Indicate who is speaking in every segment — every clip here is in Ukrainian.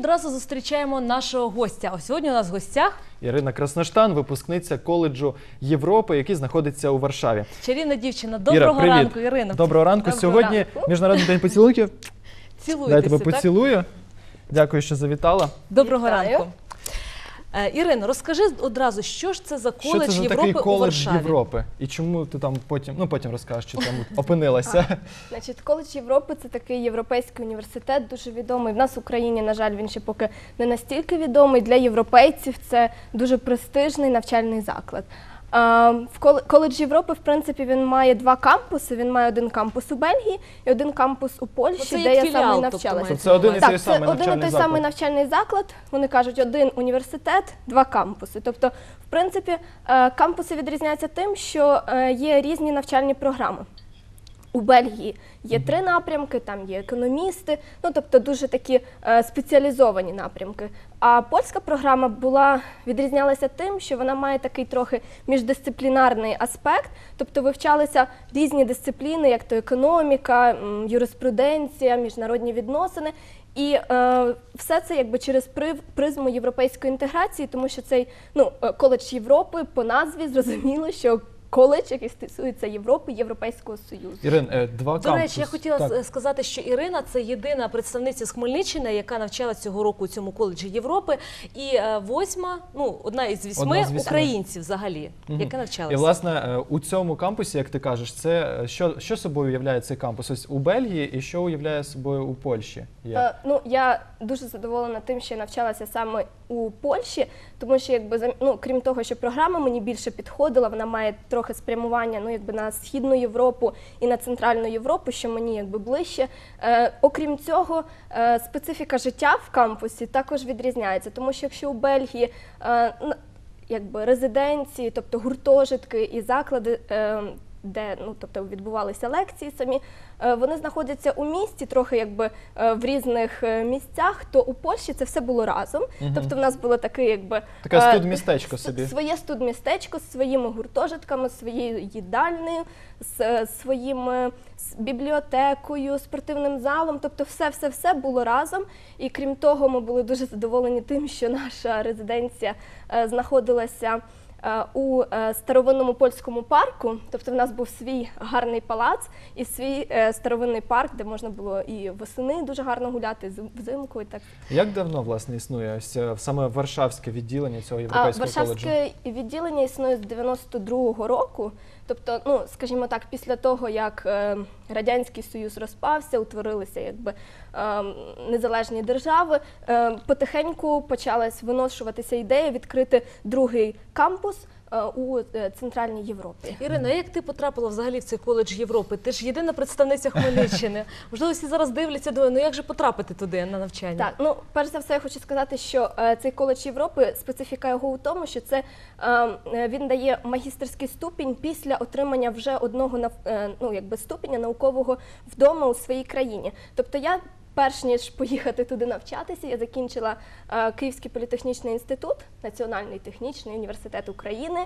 Speaker 1: одразу зустрічаємо нашого гостя. Ось сьогодні у нас в гостях
Speaker 2: Ірина Красноштан, випускниця коледжу Європи, який знаходиться у Варшаві.
Speaker 1: чарівна дівчина. Доброго ранку, Ірина.
Speaker 2: Доброго ранку. Сьогодні Міжнародний день поцілунків.
Speaker 1: Цілуйтеся,
Speaker 2: Дай тебе поцілую. Дякую, що завітала.
Speaker 1: Доброго ранку. Ірино, розкажи одразу, що ж це за коледж Європи у Варшаві?
Speaker 2: Європи? І чому ти там потім розкажеш, чи там опинилася?
Speaker 3: Значить, коледж Європи – це такий європейський університет, дуже відомий. В нас в Україні, на жаль, він ще поки не настільки відомий. Для європейців це дуже престижний навчальний заклад. Коледж Європи, в принципі, він має два кампуси. Він має один кампус у Бельгії і один кампус у Польщі, де я саме навчалася.
Speaker 2: Це один і той самий навчальний заклад?
Speaker 3: Так, це один і той самий навчальний заклад. Вони кажуть, один університет, два кампуси. Тобто, в принципі, кампуси відрізняються тим, що є різні навчальні програми. У Бельгії є 3 напрямки, там є економісти, ну тобто дуже такі спеціалізовані напрямки. А польська програма відрізнялася тим, що вона має такий трохи міждисциплінарний аспект, тобто вивчалися різні дисципліни, як то економіка, юриспруденція, міжнародні відносини. І все це якби через призму європейської інтеграції, тому що цей коледж Європи по назві зрозуміло, що коледж, який стосується Європи, Європейського Союзу.
Speaker 2: Ірин, два кампуси.
Speaker 1: До речі, я хотіла сказати, що Ірина – це єдина представниця з Хмельниччини, яка навчалася цього року у цьому коледжі Європи, і одна із 8 українців взагалі, яка навчалася.
Speaker 2: І, власне, у цьому кампусі, як ти кажеш, це що собою уявляє цей кампус? Ось у Бельгії і що уявляє собою у Польщі?
Speaker 3: Я дуже задоволена тим, що я навчалася саме у Польщі, тому що, крім того, що програма мені більше підходила, вона має трохи спрямування на Східну Європу і на Центральну Європу, що мені ближче. Окрім цього, специфіка життя в кампусі також відрізняється, тому що якщо у Бельгії резиденції, тобто гуртожитки і заклади, де відбувалися лекції самі, вони знаходяться у місті, трохи в різних місцях, то у Польщі це все було разом. Тобто в нас було таке
Speaker 2: студмістечко собі.
Speaker 3: Своє студмістечко з своїми гуртожитками, своєю їдальнею, з своїм бібліотекою, спортивним залом. Тобто все було разом. І крім того, ми були дуже задоволені тим, що наша резиденція знаходилася у старовинному польському парку, тобто в нас був свій гарний палац і свій старовинний парк, де можна було і восени дуже гарно гуляти, взимку і так.
Speaker 2: Як давно, власне, існує саме Варшавське відділення цього європейського коледжу?
Speaker 3: Варшавське відділення існує з 92-го року, тобто, скажімо так, після того, як Радянський Союз розпався, утворилися незалежні держави, потихеньку почалась виношуватися ідея відкрити другий кампус у Центральній Європі.
Speaker 1: Ірина, як ти потрапила взагалі в цей коледж Європи? Ти ж єдина представниця Хмельниччини. Можливо, всі зараз дивляться, думають, як же потрапити туди на навчання?
Speaker 3: Так, перш за все я хочу сказати, що цей коледж Європи, специфіка його у тому, що він дає магістерський ступінь після отримання вже одного ступеня наукового вдома у своїй країні. Тобто я, перш ніж поїхати туди навчатися, я закінчила Київський політехнічний інститут, Національний технічний університет України.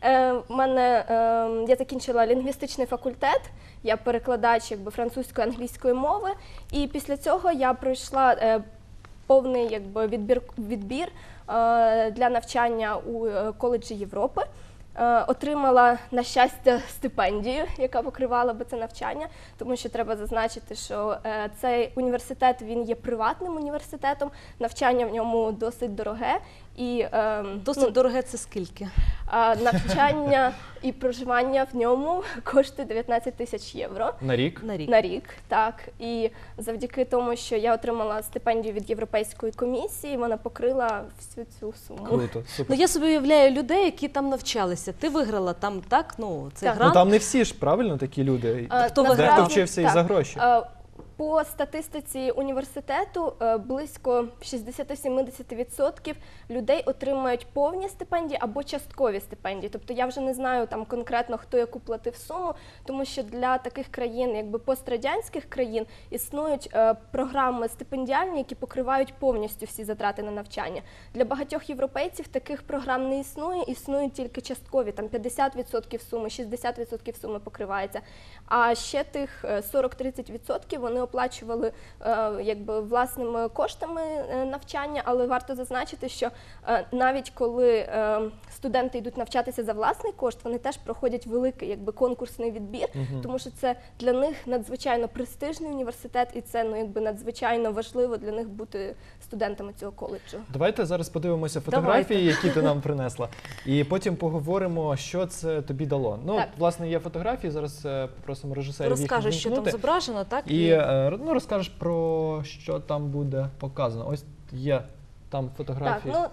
Speaker 3: Я закінчила лінгвістичний факультет, я перекладач французької, англійської мови. І після цього я пройшла повний відбір для навчання у коледжі Європи. Отримала, на щастя, стипендію, яка покривала би це навчання, тому що треба зазначити, що цей університет, він є приватним університетом, навчання в ньому досить дороге.
Speaker 1: Досить дороге – це скільки?
Speaker 3: Навчання і проживання в ньому коштує 19 тисяч євро.
Speaker 2: На рік?
Speaker 3: На рік, так. І завдяки тому, що я отримала стипендію від Європейської комісії, вона покрила всю цю суму.
Speaker 2: Круто, супер.
Speaker 1: Я собі уявляю людей, які там навчалися. Ти виграла там, так? Цей грант.
Speaker 2: Там не всі ж, правильно, такі люди?
Speaker 1: Хто виграв?
Speaker 2: Дехто вчився і за гроші.
Speaker 3: По статистиці університету близько 60-70% людей отримують повні стипендії або часткові стипендії. Тобто я вже не знаю там конкретно, хто яку платив суму, тому що для таких країн, пострадянських країн, існують програми стипендіальні, які покривають повністю всі затрати на навчання. Для багатьох європейців таких програм не існує, існують тільки часткові, там 50% суми, 60% суми покривається. А ще тих 40-30% вони оплачували якби власними коштами навчання, але варто зазначити, що навіть коли студенти йдуть навчатися за власний кошт, вони теж проходять великий якби конкурсний відбір, тому що це для них надзвичайно престижний університет, і це якби надзвичайно важливо для них бути студентами цього коледжу.
Speaker 2: Давайте зараз подивимося фотографії, які ти нам принесла, і потім поговоримо, що це тобі дало. Ну,
Speaker 3: Так.
Speaker 2: власне, є фотографії, зараз попросимо режисерів їх
Speaker 1: Розкажеш, що там
Speaker 2: ввімкнути.
Speaker 1: зображено, так?
Speaker 2: І ну, розкажеш про що там буде показано. Ось є там
Speaker 3: Так,
Speaker 2: фотографії.
Speaker 3: ну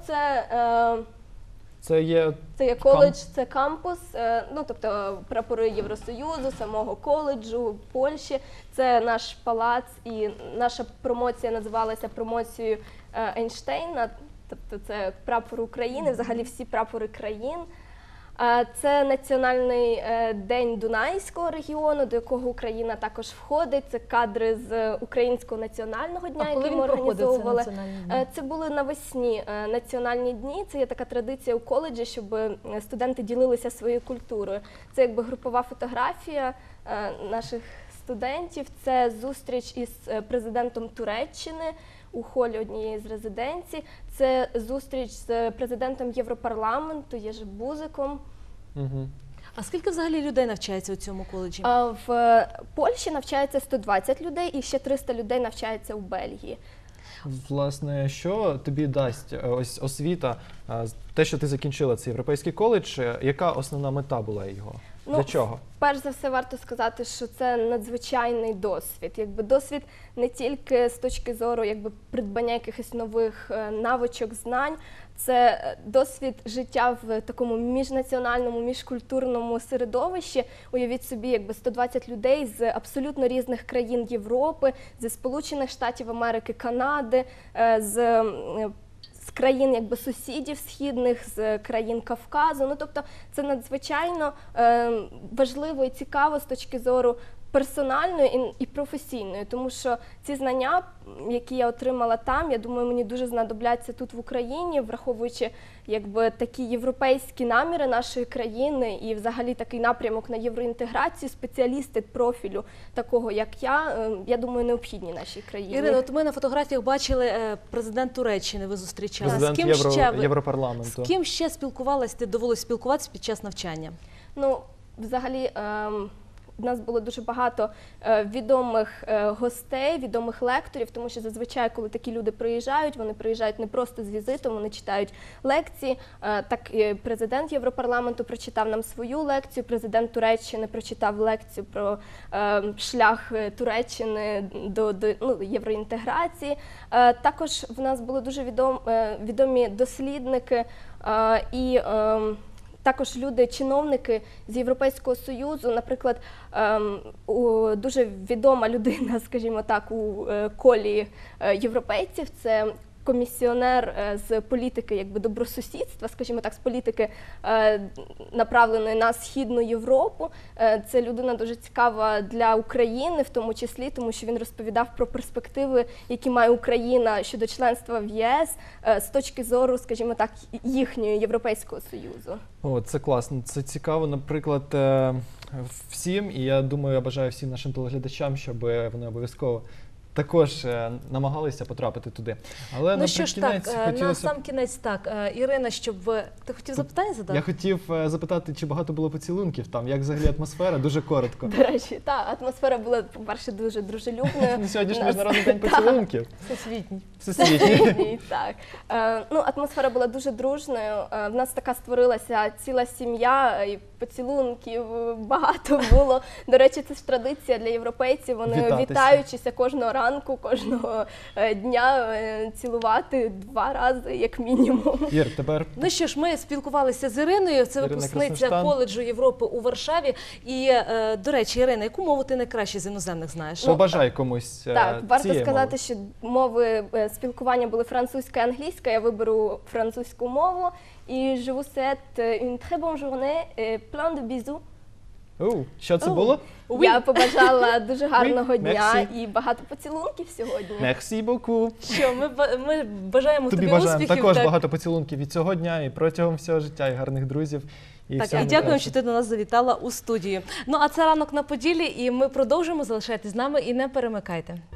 Speaker 2: Це є
Speaker 3: це є коледж, це кампус, ну тобто прапори Євросоюзу, самого коледжу, Польщі. Це наш палац, і наша промоція називалася промоцією Ейнштейна, тобто це прапор України, взагалі всі прапори країн. Це національний день Дунайського регіону, до якого Україна також входить. Це кадри з Українського національного дня,
Speaker 1: коли
Speaker 3: які
Speaker 1: він
Speaker 3: ми
Speaker 1: проходив, цей
Speaker 3: організовували.
Speaker 1: національний день?
Speaker 3: Це були навесні національні дні. Це є така традиція у коледжі, щоб студенти ділилися своєю культурою. Це якби групова фотографія наших студентів. Це зустріч із президентом Туреччини у холі однієї з резиденцій. Це зустріч з президентом Європарламенту Єжи Бузиком.
Speaker 2: угу.
Speaker 1: А скільки взагалі людей навчається у цьому коледжі?
Speaker 3: В Польщі навчається 120 людей і ще 300 людей навчається у Бельгії.
Speaker 2: Власне, що тобі дасть ось освіта, те, що ти закінчила цей європейський коледж, яка основна мета була його? Для чого?
Speaker 3: Перш за все, варто сказати, що це надзвичайний досвід. Якби досвід не тільки з точки зору якби придбання якихось нових навичок, знань, це досвід життя в такому міжнаціональному, міжкультурному середовищі. Уявіть собі, якби 120 людей з абсолютно різних країн Європи, зі Сполучених Штатів Америки, Канади, з країн якби сусідів східних, з країн Кавказу. Ну, тобто це надзвичайно важливо і цікаво з точки зору персональної і професійної, тому що ці знання, які я отримала там, я думаю, мені дуже знадобляться тут в Україні, враховуючи якби такі європейські наміри нашої країни і взагалі такий напрямок на євроінтеграцію, спеціалісти профілю такого, як я думаю, необхідні нашій країні.
Speaker 1: Ірина, от ми на фотографіях бачили президент Туреччини, ви зустрічали.
Speaker 2: Президент
Speaker 1: З ким
Speaker 2: Європарламенту.
Speaker 1: З ким ще спілкувалась, ти довелось спілкуватися під час навчання?
Speaker 3: Ну, взагалі, в нас було дуже багато відомих гостей, відомих лекторів, тому що зазвичай, коли такі люди приїжджають, вони приїжджають не просто з візитом, вони читають лекції. Так і президент Європарламенту прочитав нам свою лекцію, президент Туреччини прочитав лекцію про шлях Туреччини до євроінтеграції. Також в нас були дуже відомі дослідники і також люди, чиновники з Європейського Союзу, наприклад, дуже відома людина, скажімо так, у колі європейців, це комісіонер з політики якби добросусідства, скажімо так, з політики направленої на Східну Європу. Це людина дуже цікава для України, в тому числі, тому що він розповідав про перспективи, які має Україна щодо членства в ЄС з точки зору, скажімо так, їхнього Європейського Союзу.
Speaker 2: О, це класно, це цікаво, наприклад, всім, і я думаю, я бажаю всім нашим телеглядачам, щоб вони обов'язково також намагалися потрапити туди. Але
Speaker 1: Ну що ж так, на
Speaker 2: хотілося...
Speaker 1: сам кінець так. Ірина, щоб ти хотів запитання задати?
Speaker 2: Я хотів запитати, чи багато було поцілунків там, як взагалі атмосфера, дуже коротко.
Speaker 3: До речі, так, атмосфера була, по-перше, дуже дружелюбною.
Speaker 2: Сьогодні ж Міжнародний день поцілунків.
Speaker 1: Всесвітній.
Speaker 2: Всесвітній.
Speaker 3: Так. Ну, атмосфера була дуже дружною. В нас така створилася ціла сім'я, і поцілунків багато було. До речі, це ж традиція для європейців. Вони
Speaker 2: Вітатися.
Speaker 3: вітаючися кожного ранку, кожного дня цілувати 2 рази, як мінімум.
Speaker 2: Ір, тепер
Speaker 1: Ну що ж, ми спілкувалися з Іриною, це
Speaker 2: Ірина
Speaker 1: випускниця
Speaker 2: Красноштан.
Speaker 1: коледжу Європи у Варшаві. І, до речі, Ірина, яку мову ти найкраще з іноземних знаєш?
Speaker 2: побажай комусь
Speaker 3: Так, варто
Speaker 2: цієї
Speaker 3: сказати,
Speaker 2: мови.
Speaker 3: що мови спілкування були французька і англійська. Я виберу французьку мову. І je vous souhaite une très bonne journée et plein de bisous.
Speaker 2: Що це було?
Speaker 3: Я побажала дуже гарного
Speaker 2: Oui,
Speaker 3: дня
Speaker 2: merci.
Speaker 3: і багато поцілунків сьогодні.
Speaker 2: Merci beaucoup.
Speaker 1: Що, ми бажаємо тобі
Speaker 2: Тобі бажаємо
Speaker 1: успіхів.
Speaker 2: також
Speaker 1: так.
Speaker 2: багато поцілунків від цього дня і протягом всього життя, і гарних друзів. І
Speaker 1: Так,
Speaker 2: всього
Speaker 1: і дякуємо,
Speaker 2: найкращого.
Speaker 1: що ти до нас завітала у студію. Ну, а це «Ранок на Поділлі», і ми продовжимо. Залишайтесь з нами і не перемикайте.